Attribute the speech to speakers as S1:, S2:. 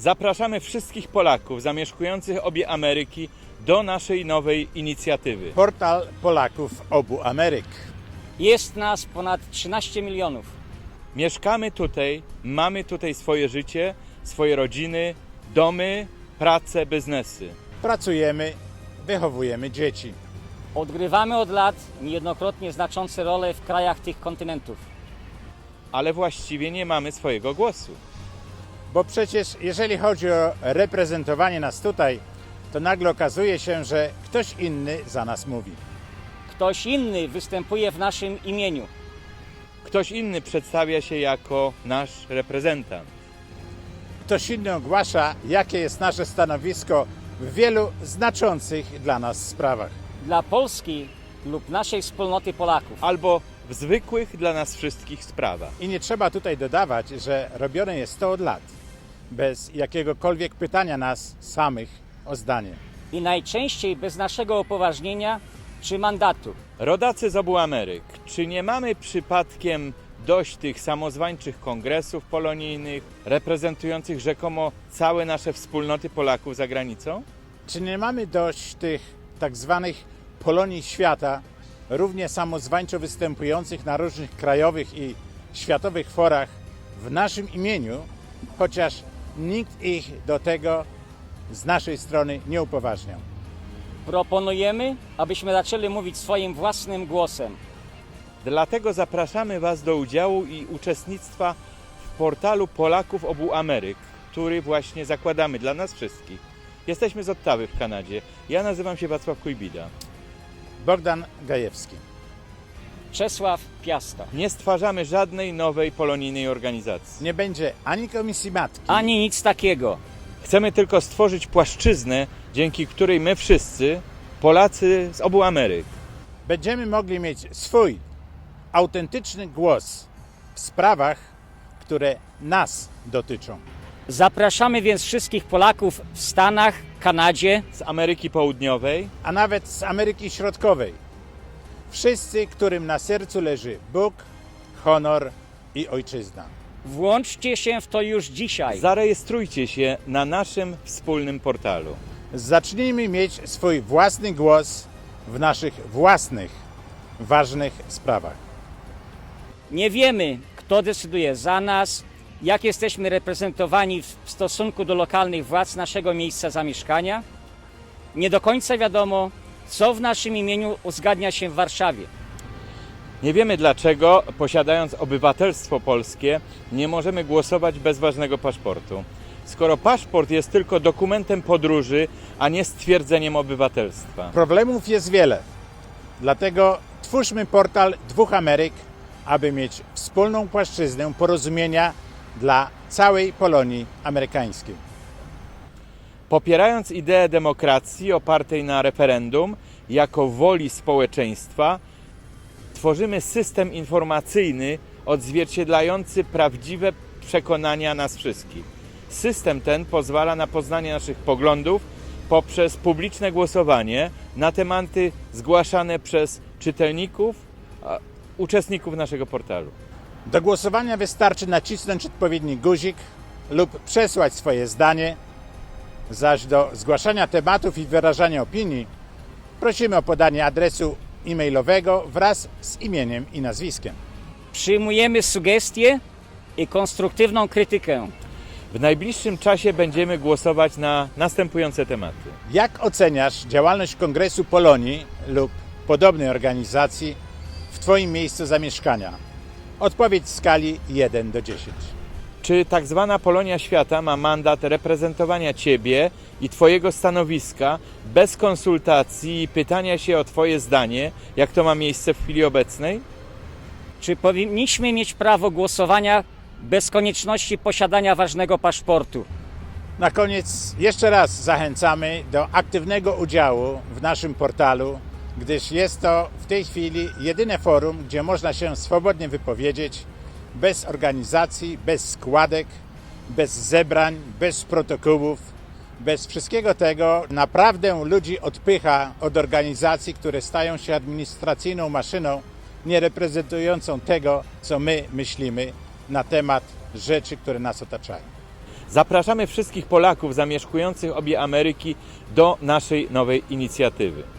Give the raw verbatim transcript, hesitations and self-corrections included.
S1: Zapraszamy wszystkich Polaków zamieszkujących obie Ameryki do naszej nowej inicjatywy.
S2: Portal Polaków obu Ameryk.
S3: Jest nas ponad trzynaście milionów.
S1: Mieszkamy tutaj, mamy tutaj swoje życie, swoje rodziny, domy, pracę, biznesy.
S2: Pracujemy, wychowujemy dzieci.
S3: Odgrywamy od lat niejednokrotnie znaczące role w krajach tych kontynentów.
S1: Ale właściwie nie mamy swojego głosu.
S2: Bo przecież jeżeli chodzi o reprezentowanie nas tutaj, to nagle okazuje się, że ktoś inny za nas mówi.
S3: Ktoś inny występuje w naszym imieniu.
S1: Ktoś inny przedstawia się jako nasz reprezentant.
S2: Ktoś inny ogłasza, jakie jest nasze stanowisko w wielu znaczących dla nas sprawach.
S3: Dla Polski lub naszej wspólnoty Polaków.
S1: Albo w zwykłych dla nas wszystkich sprawach.
S2: I nie trzeba tutaj dodawać, że robione jest to od lat, bez jakiegokolwiek pytania nas samych o zdanie.
S3: I najczęściej bez naszego upoważnienia czy mandatu.
S1: Rodacy z obu Ameryk, czy nie mamy przypadkiem dość tych samozwańczych kongresów polonijnych, reprezentujących rzekomo całe nasze wspólnoty Polaków za granicą?
S2: Czy nie mamy dość tych tak zwanych Polonii świata, równie samozwańczo występujących na różnych krajowych i światowych forach w naszym imieniu, chociaż nikt ich do tego z naszej strony nie upoważniał?
S3: Proponujemy, abyśmy zaczęli mówić swoim własnym głosem.
S1: Dlatego zapraszamy Was do udziału i uczestnictwa w portalu Polaków obu Ameryk, który właśnie zakładamy dla nas wszystkich. Jesteśmy z Ottawy w Kanadzie. Ja nazywam się Wacław Kujbida.
S2: Bogdan Gajewski.
S3: Czesław Piasta.
S1: Nie stwarzamy żadnej nowej polonijnej organizacji.
S2: Nie będzie ani Komisji Matki,
S3: Ani nic takiego.
S1: Chcemy tylko stworzyć płaszczyznę, dzięki której my wszyscy, Polacy z obu Ameryk,
S2: będziemy mogli mieć swój autentyczny głos w sprawach, które nas dotyczą.
S3: Zapraszamy więc wszystkich Polaków w Stanach, Kanadzie,
S1: z Ameryki Południowej,
S2: A nawet z Ameryki Środkowej. Wszyscy, którym na sercu leży Bóg, honor i ojczyzna.
S3: włączcie się w to już dzisiaj.
S1: zarejestrujcie się na naszym wspólnym portalu.
S2: Zacznijmy mieć swój własny głos w naszych własnych, ważnych sprawach.
S3: Nie wiemy, kto decyduje za nas, jak jesteśmy reprezentowani w stosunku do lokalnych władz naszego miejsca zamieszkania. Nie do końca wiadomo, co w naszym imieniu uzgadnia się w Warszawie.
S1: Nie wiemy dlaczego, posiadając obywatelstwo polskie, nie możemy głosować bez ważnego paszportu. Skoro paszport jest tylko dokumentem podróży, a nie stwierdzeniem obywatelstwa.
S2: Problemów jest wiele, dlatego twórzmy portal dwóch Ameryk, aby mieć wspólną płaszczyznę porozumienia dla całej Polonii amerykańskiej.
S1: Popierając ideę demokracji opartej na referendum jako woli społeczeństwa, tworzymy system informacyjny odzwierciedlający prawdziwe przekonania nas wszystkich. System ten pozwala na poznanie naszych poglądów poprzez publiczne głosowanie na tematy zgłaszane przez czytelników, a, uczestników naszego portalu.
S2: Do głosowania wystarczy nacisnąć odpowiedni guzik lub przesłać swoje zdanie, zaś do zgłaszania tematów i wyrażania opinii prosimy o podanie adresu e-mailowego wraz z imieniem i nazwiskiem.
S3: Przyjmujemy sugestie i konstruktywną krytykę.
S1: W najbliższym czasie będziemy głosować na następujące tematy.
S2: Jak oceniasz działalność Kongresu Polonii lub podobnej organizacji w Twoim miejscu zamieszkania? Odpowiedź w skali jeden do dziesięciu.
S1: Czy tak zwana Polonia Świata ma mandat reprezentowania Ciebie i Twojego stanowiska bez konsultacji i pytania się o Twoje zdanie, jak to ma miejsce w chwili obecnej?
S3: Czy powinniśmy mieć prawo głosowania bez konieczności posiadania ważnego paszportu?
S2: Na koniec jeszcze raz zachęcamy do aktywnego udziału w naszym portalu, gdyż jest to w tej chwili jedyne forum, gdzie można się swobodnie wypowiedzieć, bez organizacji, bez składek, bez zebrań, bez protokołów, bez wszystkiego tego. Naprawdę ludzi odpycha od organizacji, które stają się administracyjną maszyną, nie reprezentującą tego, co my myślimy na temat rzeczy, które nas otaczają.
S1: Zapraszamy wszystkich Polaków zamieszkujących obie Ameryki do naszej nowej inicjatywy.